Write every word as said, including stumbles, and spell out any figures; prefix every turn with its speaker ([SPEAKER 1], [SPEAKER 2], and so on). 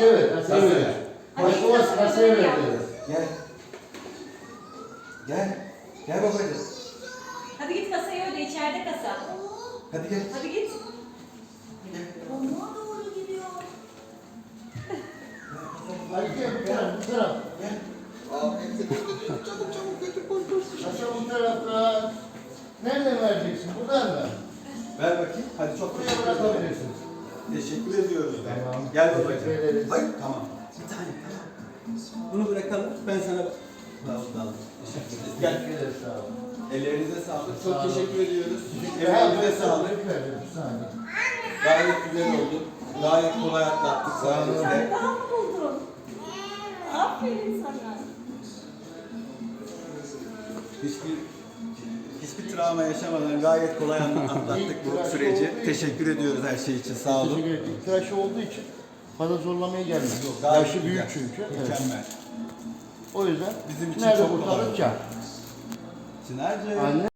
[SPEAKER 1] Kasaya ver, kasaya ver. Başlamaz kasaya ver.
[SPEAKER 2] Gel. Gel. Gel babacığım.
[SPEAKER 3] Hadi git kasaya öde, içeride kasa.
[SPEAKER 2] Hadi gel.
[SPEAKER 3] Hadi git.
[SPEAKER 4] Ona doğru gidiyor.
[SPEAKER 1] Hadi gel bu taraf, bu taraf.
[SPEAKER 2] Gel. Aa, çabuk çabuk götür koş koş.
[SPEAKER 1] Kasa bu tarafta. Nereden vereceksin? Buradan mı?
[SPEAKER 2] Ver bakayım. Hadi çok
[SPEAKER 1] Buraya
[SPEAKER 2] teşekkür ederim.
[SPEAKER 1] bırakabilirsiniz.
[SPEAKER 2] Teşekkür ediyoruz.
[SPEAKER 1] Tamam.
[SPEAKER 2] Gel
[SPEAKER 1] Teşekkür
[SPEAKER 2] babacığım.
[SPEAKER 1] ederiz.
[SPEAKER 2] Hayır tamam. Bir tane tamam. Bunu bırakalım. Ben sana... Tamam tamam. Teşekkür ederiz. Gel.
[SPEAKER 1] Teşekkür ederiz, sağ olun.
[SPEAKER 2] Ellerinize sağlık.
[SPEAKER 1] Sağ
[SPEAKER 2] Çok
[SPEAKER 1] olun.
[SPEAKER 2] teşekkür ediyoruz.
[SPEAKER 1] Ha,
[SPEAKER 2] Ellerinize
[SPEAKER 1] ben
[SPEAKER 2] sağlık.
[SPEAKER 1] sağlık verdim, bir saniye.
[SPEAKER 2] Gayet güzel oldu. Gayet kolay atlattık
[SPEAKER 1] Sağ olun.
[SPEAKER 2] sayenizde.
[SPEAKER 3] Sen daha mı buldun? Aferin sana.
[SPEAKER 2] Hiçbir hiçbir travma yaşamadan gayet kolay atlattık bu süreci. Teşekkür ediyoruz her şey için. Sağ olun.
[SPEAKER 1] Teşekkür ederim. Tıraşı olduğu için fazla zorlamaya gelmedi.
[SPEAKER 2] Gayet
[SPEAKER 1] Yaşı büyük
[SPEAKER 2] güzel.
[SPEAKER 1] çünkü. Evet.
[SPEAKER 2] Mükemmel.
[SPEAKER 1] O yüzden
[SPEAKER 2] Bizim için
[SPEAKER 1] nerede
[SPEAKER 2] çok kolay
[SPEAKER 1] kurtarır
[SPEAKER 2] oldu.
[SPEAKER 1] kar.
[SPEAKER 2] Çınar'cığım.
[SPEAKER 1] Anne.